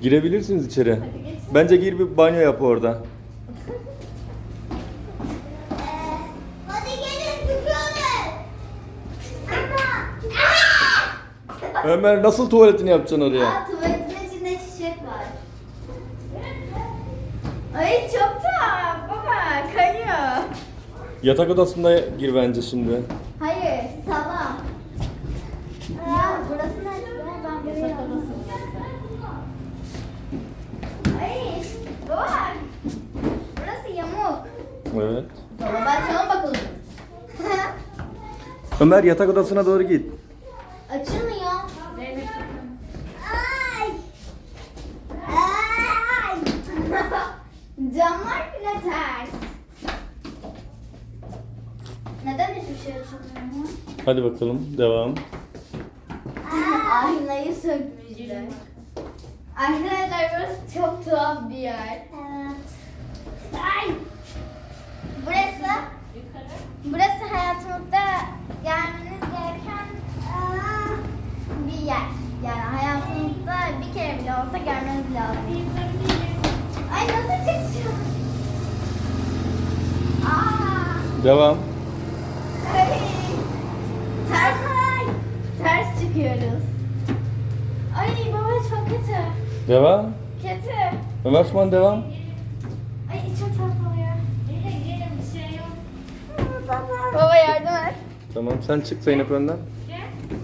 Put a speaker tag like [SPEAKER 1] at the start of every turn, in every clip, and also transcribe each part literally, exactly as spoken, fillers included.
[SPEAKER 1] Girebilirsiniz içeri. Bence gir bir banyo yap orada.
[SPEAKER 2] Hadi gelin çıkıyoruz.
[SPEAKER 1] Ömer nasıl tuvaletini yapacaksın oraya?
[SPEAKER 2] Aa, tuvaletin içinde çiçek var. Ay çok tuhaf baba, kayıyor.
[SPEAKER 1] Yatak odasında gir bence şimdi.
[SPEAKER 2] Hayır, salon. Ya burası nerede? Ben buraya Ay, baba. Burası yamuk.
[SPEAKER 1] Evet.
[SPEAKER 2] Baba ben sana bakalım.
[SPEAKER 1] Ömer yatak odasına doğru git.
[SPEAKER 2] Açılmıyor. Ay. Ay. Camlar bile ters. Neden hiçbir şey açılmıyor?
[SPEAKER 1] Hadi bakalım devam.
[SPEAKER 2] Aynayı sökmüşler. Arkadaşlar burası çok tuhaf bir yer. Evet. Ay. Burası Burası hayatımızda gelmeniz gereken aa, bir yer. Yani hayatınızda bir kere bile olsa gelmeniz lazım. Ay nasıl çıkacağım? Aa.
[SPEAKER 1] Devam.
[SPEAKER 2] Ay. Ters. Ters çıkıyoruz. Ay baba çok kötü.
[SPEAKER 1] Devam.
[SPEAKER 2] Kötü.
[SPEAKER 1] Ömer Osman devam.
[SPEAKER 2] Ay içim tuhaf oluyor. Gelin gelin bir şey yok. Baba. Baba yardım et.
[SPEAKER 1] Tamam sen çık Zeynep önden.
[SPEAKER 3] Gel.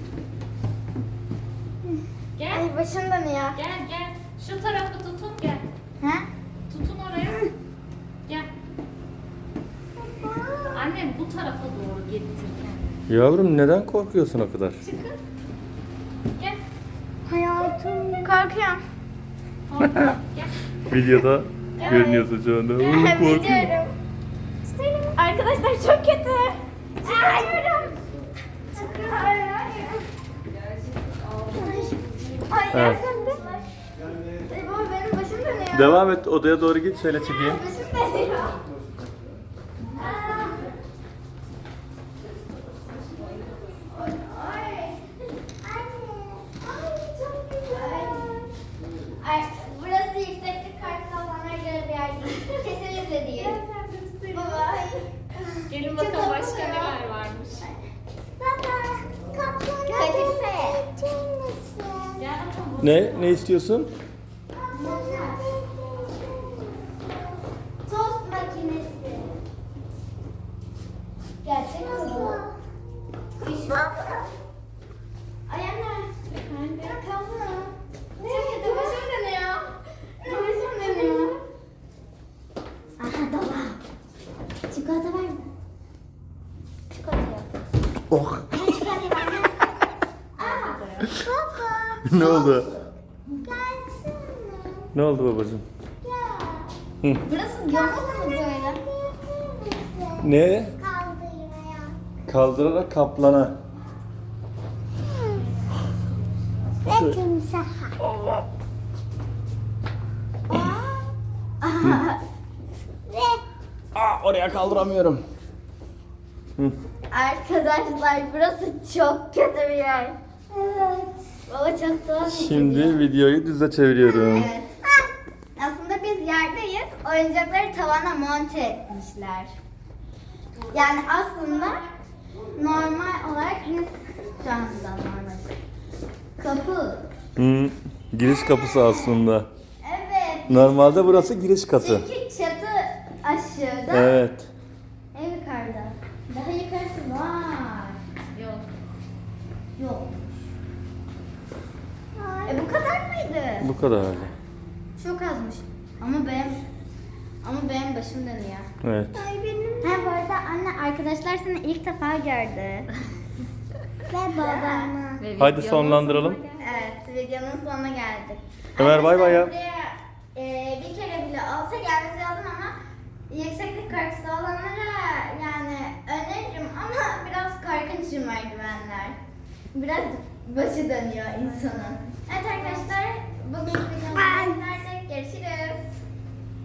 [SPEAKER 3] Gel.
[SPEAKER 2] Ay başım dönüyor.
[SPEAKER 3] Gel gel. Şu tarafı tutun gel.
[SPEAKER 2] Ha?
[SPEAKER 3] Tutun oraya. Gel. Annem bu tarafa doğru getirken.
[SPEAKER 1] Yavrum neden korkuyorsun o kadar?
[SPEAKER 3] Çıkın. Gel.
[SPEAKER 2] Hayatım. Korkuyorum.
[SPEAKER 3] Orada. Gel.
[SPEAKER 1] Videoda görünüyorsun şu anda. Oğlum, korkuyorum.
[SPEAKER 2] Biliyorum. Arkadaşlar çok kötü. Çıkıyorum. Çıkıyorum. Ay
[SPEAKER 1] Evet.
[SPEAKER 2] sen de. Ay baba benim başım dönüyor.
[SPEAKER 1] Devam et odaya doğru git şöyle çekeyim.
[SPEAKER 2] Başım dönüyor. Ay. Ay çok güzel. Ay, burası yükseklik kartı olanlara göre bir yer değil. Kesinlikle değil. Baba. Ay.
[SPEAKER 3] Gelin bakalım başka neler varmış.
[SPEAKER 2] Baba. Kadife.
[SPEAKER 3] Gel bakalım.
[SPEAKER 1] Ne? Ne istiyorsun?
[SPEAKER 2] Tost makinesi. Gerçek mi bu? Diş- Ay anne. Anne kalma. Çok kötü başım dönüyor. Başım dönüyor. Aha dolap. Çikolata var mı? Çikolata yok.
[SPEAKER 1] Oh.
[SPEAKER 2] Ay çikolata var mı? Aa. Baba.
[SPEAKER 1] Ne oldu?
[SPEAKER 2] Gelsene.
[SPEAKER 1] Ne oldu babacığım?
[SPEAKER 2] Gel.
[SPEAKER 1] Hı.
[SPEAKER 2] Burası yamuk mu böyle?
[SPEAKER 1] Ne?
[SPEAKER 2] Kaldırmaya.
[SPEAKER 1] Kaldırarak kaplana.
[SPEAKER 2] Ve timsaha. Ve
[SPEAKER 1] Aa, oraya kaldıramıyorum. Hı.
[SPEAKER 2] arkadaşlar burası çok kötü bir yer. Evet. Baba çok tuhaf.
[SPEAKER 1] Şimdi videoyu düze çeviriyorum.
[SPEAKER 2] Evet. Aslında biz yerdeyiz. Oyuncakları tavana monte etmişler. Yani aslında normal olarak biz şu anda normal. Kapı.
[SPEAKER 1] Hı. Giriş kapısı aslında.
[SPEAKER 2] Evet.
[SPEAKER 1] Normalde burası giriş katı.
[SPEAKER 2] Çünkü çatı aşağıda.
[SPEAKER 1] Evet.
[SPEAKER 2] En yukarıda. Daha yukarısı var.
[SPEAKER 3] Yok.
[SPEAKER 2] Yok. E bu kadar mıydı?
[SPEAKER 1] Bu kadar.
[SPEAKER 2] Çok azmış. Ama benim ama benim başım dönüyor.
[SPEAKER 1] Evet.
[SPEAKER 2] Ay benim. Ha bu arada anne arkadaşlar seni ilk defa gördü. Ve babamı.
[SPEAKER 3] Ve
[SPEAKER 1] Hadi
[SPEAKER 3] videonun
[SPEAKER 1] sonlandıralım.
[SPEAKER 3] sonuna geldik.
[SPEAKER 2] Evet videonun sonuna geldik.
[SPEAKER 1] Ömer, bay bay ya.
[SPEAKER 2] Arkadaşlar, buraya, e, bir kere bile olsa gelmesi lazım ama yükseklik korkusu olanlara yani öneririm ama biraz korkunç merdivenler. Biraz başı dönüyor insanın. Evet arkadaşlar bugünkü